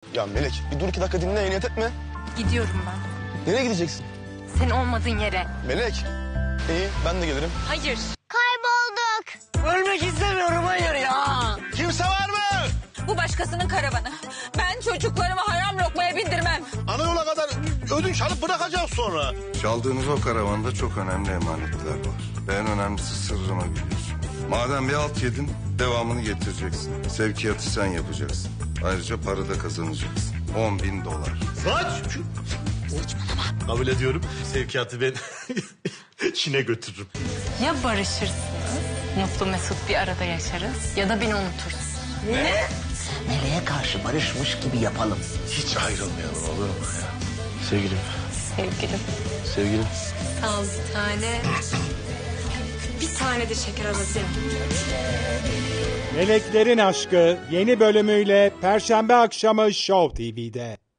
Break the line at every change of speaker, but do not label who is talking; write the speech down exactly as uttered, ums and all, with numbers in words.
Ya Melek bir dur iki dakika dinle, niyet etme.
Gidiyorum ben.
Nereye gideceksin?
Senin olmadığın yere.
Melek. İyi ben de gelirim.
Hayır.
Kaybolduk.
Ölmek istemiyorum, hayır ya.
Kimse var mı?
Bu başkasının karavanı. Ben çocuklarımı haram lokmaya bindirmem.
Ana yola kadar ödünç alıp bırakacağız sonra.
Çaldığınız o karavanda çok önemli emanetler var. Ve en önemlisi sırrımı biliyorsun. Madem bir alt yedin, devamını getireceksin. Sevkiyatı sen yapacaksın. Ayrıca para da kazanacaksın. On bin dolar.
Saç. Saçmalama. Kabul ediyorum. Sevkiyatı ben Çin'e götürürüm.
Ya barışırsınız, mutlu mesut bir arada yaşarız ya da beni unutursun.
Ne? Meleğe karşı barışmış gibi yapalım.
Hiç ayrılmayalım olur mu ya? Sevgilim.
Sevgilim.
Sevgilim.
Sağ ol bir tane. Bir tane de şeker alasın.
Meleklerin Aşkı yeni bölümüyle Perşembe akşamı Show T V'de.